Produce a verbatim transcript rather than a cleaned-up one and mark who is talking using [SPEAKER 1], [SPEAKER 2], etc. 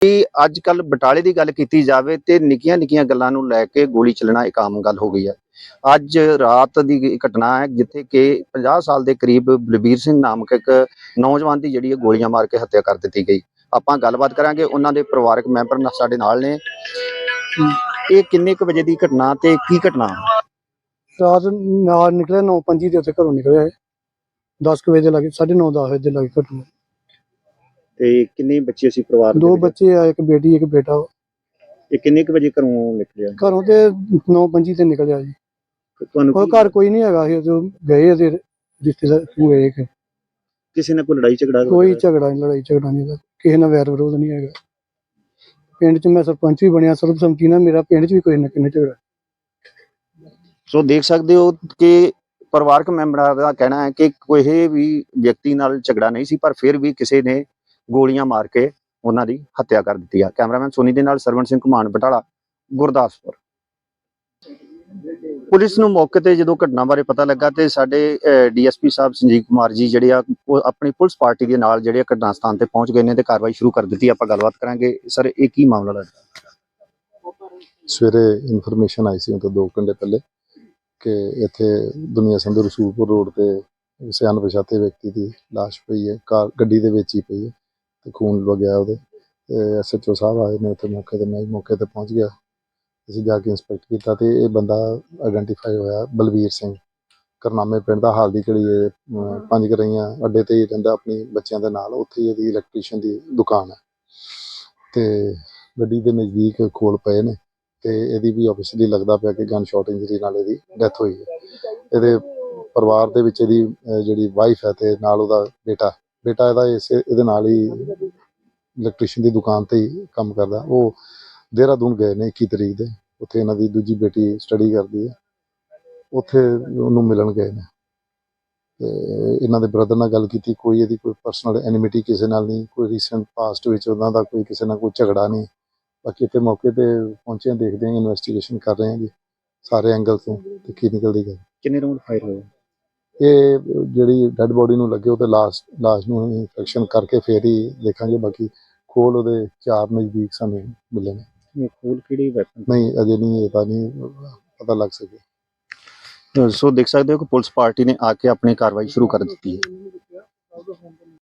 [SPEAKER 1] ਕਿ ਅੱਜ ਕੱਲ ਬਟਾਲੇ ਦੀ ਗੱਲ ਕੀਤੀ ਜਾਵੇ ਤੇ ਨਿੱਕੀਆਂ ਨਿੱਕੀਆਂ ਗੱਲਾਂ ਨੂੰ ਲੈ ਕੇ ਗੋਲੀ ਚੱਲਣਾ ਇੱਕ ਆਮ ਗੱਲ ਹੋ ਗਈ ਹੈ। ਅੱਜ ਰਾਤ ਦੀ ਘਟਨਾ ਹੈ ਜਿੱਥੇ ਕਿ ਪੰਜਾਹ ਸਾਲ ਦੇ ਕਰੀਬ ਬਲਬੀਰ ਸਿੰਘ ਨਾਮਕ ਇੱਕ ਨੌਜਵਾਨ ਦੀ ਜਿਹੜੀ ਹੈ ਗੋਲੀਆਂ ਮਾਰ ਕੇ ਹੱਤਿਆ ਕਰ ਦਿੱਤੀ ਗਈ। ਆਪਾਂ ਗੱਲਬਾਤ ਕਰਾਂਗੇ, ਉਹਨਾਂ ਦੇ ਪਰਿਵਾਰਕ ਮੈਂਬਰ ਨਾ- ਸਾਡੇ ਨਾਲ ਨੇ। ਇਹ ਕਿੰਨੇ ਕੁ ਵਜੇ ਦੀ ਘਟਨਾ ਤੇ ਕੀ ਘਟਨਾ?
[SPEAKER 2] ਰਾਤ ਨਾਲ ਨਿਕਲਿਆ ਨੌ ਪੰਜੀ ਦੇ ਉੱਤੇ ਘਰੋਂ ਨਿਕਲਿਆ ਦਸ ਕੁ ਵਜੇ ਦੇ ਲਾਗੇ, ਸਾਢੇ ਨੌ ਦਸ ਵਜੇ ਦੇ ਲਾਗੇ ਘਟਨਾ।
[SPEAKER 1] ਤੇ ਕਿੰਨੇ ਬੱਚੇ ਸੀ ਪਰਿਵਾਰ ਦੇ
[SPEAKER 2] ਦੋ
[SPEAKER 1] ਵਿੱਚ?
[SPEAKER 2] ਬੱਚੇ ਆ, ਇੱਕ ਬੇਟੀ ਇੱਕ ਬੇਟਾ ਵਾ।
[SPEAKER 1] ਇਹ ਕਿੰਨੇ ਕੁ ਵਜੇ ਘਰੋਂ ਨਿਕਲਿਆ?
[SPEAKER 2] ਘਰੋਂ ਤੇ ਨੌ ਪੰਜੀ ਤੇ ਨਿਕਲਿਆ ਜੀ।
[SPEAKER 1] ਤੇ ਤੁਹਾਨੂੰ
[SPEAKER 2] ਉਹ
[SPEAKER 1] ਕੀ-
[SPEAKER 2] ਘਰ ਕੋਈ ਨਹੀਂ ਹੈਗਾ ਸੀ, ਜੋ ਗਏ ਤੇ ਰਿਸ਼ਤੇਦਾਰ ਹੋਏ ਕਿ
[SPEAKER 1] ਕਿਸੇ ਨਾਲ ਕੋਈ ਲੜਾਈ ਝਗੜਾ?
[SPEAKER 2] ਕੋਈ ਝਗੜਾ ਨਹੀਂ, ਲੜਾਈ ਝਗੜਾ ਨਹੀਂ, ਕਿਸੇ ਨਾਲ ਵੈਰ ਵਿਰੋਧ ਨਹੀਂ ਹੈਗਾ। ਪਿੰਡ 'ਚ ਮੈਂ ਸਰਪੰਚ ਵੀ ਬਣਿਆ ਸਰਬਸੰਮਤੀ ਨਾਲ, ਮੇਰਾ ਪਿੰਡ 'ਚ ਵੀ ਕੋਈ ਨਾ ਕਿੰਨੇ ਝਗੜਾ।
[SPEAKER 1] ਸੋ ਦੇਖ ਸਕਦੇ ਹੋ ਕਿ ਪਰਿਵਾਰਕ ਮੈਂਬਰਾਂ ਦਾ ਕਹਿਣਾ ਹੈ ਕਿ ਕੋਈ ਵੀ ਵਿਅਕਤੀ ਨਾਲ ਝਗੜਾ ਨਹੀਂ ਸੀ, ਪਰ ਫਿਰ ਵੀ ਕਿਸੇ ਨੇ ਗੋਲੀਆਂ ਮਾਰ ਕੇ ਉਹਨਾਂ ਦੀ ਹੱਤਿਆ ਕਰ ਦਿੱਤੀ ਆ। ਕੈਮਰਾਮੈਨ ਸੋਨੀ ਦੇ ਨਾਲ ਸਰਵਣ ਸਿੰਘ ਘੁਮਾਣ, ਬਟਾਲਾ, ਗੁਰਦਾਸਪੁਰ। ਪੁਲਿਸ ਨੂੰ ਮੌਕੇ ਤੇ ਜਦੋਂ ਘਟਨਾ ਬਾਰੇ ਪਤਾ ਲੱਗਾ ਤੇ ਸਾਡੇ ਡੀਐਸਪੀ ਸਾਹਿਬ ਸੰਜੀਵ ਕੁਮਾਰ ਜੀ ਜਿਹੜੇ ਆ ਉਹ ਆਪਣੀ ਪੁਲਿਸ ਪਾਰਟੀ ਦੇ ਨਾਲ ਜਿਹੜੇ ਘਟਨਾ ਸਥਾਨ ਤੇ ਪਹੁੰਚ ਗਏ ਨੇ ਤੇ ਕਾਰਵਾਈ ਸ਼ੁਰੂ ਕਰ ਦਿੱਤੀ। ਆਪਾਂ ਗੱਲਬਾਤ ਕਰਾਂਗੇ। ਸਰ, ਇਹ ਕੀ ਮਾਮਲਾ ਲੱਗਦਾ?
[SPEAKER 3] ਸਵੇਰੇ ਇਨਫੋਰਮੇਸ਼ਨ ਆਈ ਸੀ ਉਹ ਤੋਂ ਦੋ ਘੰਟੇ ਪਹਿਲੇ ਕਿ ਇੱਥੇ ਦੁਨੀਆ ਸੰਧੂ ਰਸੂਲਪੁਰ ਰੋਡ ਤੇ ਕਿਸੇ ਅਣਪਛਾਤੇ ਵਿਅਕਤੀ ਦੀ ਲਾਸ਼ ਪਈ ਹੈ, ਕਾਰ ਗੱਡੀ ਦੇ ਵਿੱਚ ਹੀ ਪਈ ਹੈ ਤੇ ਖੂਨ ਵਗਿਆ ਉਹਦੇ। ਐਸ ਐਚ ਓ ਸਾਹਿਬ ਆਏ ਨੇ ਉੱਥੇ ਮੌਕੇ ਤੇ, ਮੈਂ ਮੌਕੇ ਤੇ ਪਹੁੰਚ ਗਿਆ। ਅਸੀਂ ਜਾ ਕੇ ਇੰਸਪੈਕਟ ਕੀਤਾ ਤੇ ਇਹ ਬੰਦਾ ਆਈਡੈਂਟੀਫਾਈ ਹੋਇਆ ਬਲਬੀਰ ਸਿੰਘ, ਕਰਨਾਮੇ ਪਿੰਡ ਦਾ। ਹਾਲ ਦੀ ਘੜੀ ਇਹ ਪੰਜ ਕਰਈਆਂ ਅੱਡੇ ਤੇ ਹੀ ਰਹਿੰਦਾ ਆਪਣੀ ਬੱਚਿਆਂ ਦੇ ਨਾਲ, ਉੱਥੇ ਹੀ ਇਹਦੀ ਇਲੈਕਟ੍ਰੀਸ਼ੀਅਨ ਦੀ ਦੁਕਾਨ ਹੈ ਤੇ ਗੱਡੀ ਦੇ ਨਜ਼ਦੀਕ ਖੋਲ ਪਏ ਨੇ ਤੇ ਇਹਦੀ ਵੀ ਆਬਵੀਅਸਲੀ ਲੱਗਦਾ ਪਿਆ ਕਿ ਗਨ ਸ਼ਾਟ ਇੰਜਰੀ ਨਾਲ ਇਹਦੀ ਡੈਥ ਹੋਈ ਹੈ। ਇਹਦੇ ਪਰਿਵਾਰ ਦੇ ਵਿੱਚ ਇਹਦੀ ਜਿਹੜੀ ਵਾਈਫ ਹੈ ਤੇ ਨਾਲ ਉਹਦਾ ਬੇਟਾ ਬੇਟਾ ਇਹਦਾ ਇਸੇ ਇਹਦੇ ਨਾਲ ਹੀ ਇਲੈਕਟ੍ਰੀਸ਼ੀਅਨ ਦੀ ਦੁਕਾਨ ਤੇ ਹੀ ਕੰਮ ਕਰਦਾ। ਉਹ ਦੇਹਰਾਦੂਨ ਗਏ ਨੇ ਇੱਕੀ ਤਰੀਕ ਦੇ, ਉੱਥੇ ਇਹਨਾਂ ਦੀ ਦੂਜੀ ਬੇਟੀ ਸਟੱਡੀ ਕਰਦੀ ਹੈ, ਉੱਥੇ ਉਹਨੂੰ ਮਿਲਣ ਗਏ ਨੇ ਤੇ ਇਹਨਾਂ ਦੇ ਬ੍ਰਦਰ ਨਾਲ ਗੱਲ ਕੀਤੀ। ਕੋਈ ਇਹਦੀ ਕੋਈ ਪਰਸਨਲ ਐਨਿਮਿਟੀ ਕਿਸੇ ਨਾਲ ਨਹੀਂ, ਕੋਈ ਰੀਸੈਂਟ ਪਾਸਟ ਵਿੱਚ ਉਹਨਾਂ ਦਾ ਕੋਈ ਕਿਸੇ ਨਾਲ ਕੋਈ ਝਗੜਾ ਨਹੀਂ। ਬਾਕੀ ਇੱਥੇ ਮੌਕੇ ਤੇ ਪਹੁੰਚੇ ਹਾਂ, ਦੇਖਦੇ ਹਾਂ, ਇਨਵੈਸਟੀਗੇਸ਼ਨ ਕਰ ਰਹੇ ਹਾਂ ਜੀ ਸਾਰੇ ਐਂਗਲ ਤੋਂ ਤੇ ਕੀ ਨਿਕਲਦੀ ਗੱਲ।
[SPEAKER 1] ਕਿੰਨੇ ਰਾਉਂਡ ਫਾਇਰ ਹੋਏ?
[SPEAKER 3] ਇਹ ਜਿਹੜੀ ਡੈੱਡ ਬੋਡੀ ਨੂੰ ਲੱਗੇ ਉਹ ਤੇ ਲਾਸ਼ ਲਾਸ਼ ਨੂੰ ਇਨਫੈਕਸ਼ਨ ਕਰਕੇ ਫੇਰ ਹੀ ਦੇਖਾਂਗੇ। ਬਾਕੀ ਖੋਲ ਉਹਦੇ ਚਾਰ ਨਜ਼ਦੀਕ ਸਾਨੂੰ ਮਿਲੇ ਨੇ।
[SPEAKER 1] ਇਹ ਖੋਲ ਕਿਹੜੀ ਵੈਪਨ?
[SPEAKER 3] ਨਹੀਂ, ਅਜੇ ਨਹੀਂ, ਇਹ ਤਾਂ ਨਹੀਂ ਪਤਾ ਲੱਗ ਸਕਿਆ।
[SPEAKER 1] ਸੋ ਦੇਖ ਸਕਦੇ ਹੋ ਕਿ ਪੁਲਿਸ ਪਾਰਟੀ ਨੇ ਆ ਕੇ ਆਪਣੀ ਕਾਰਵਾਈ ਸ਼ੁਰੂ ਕਰ ਦਿੱਤੀ ਹੈ।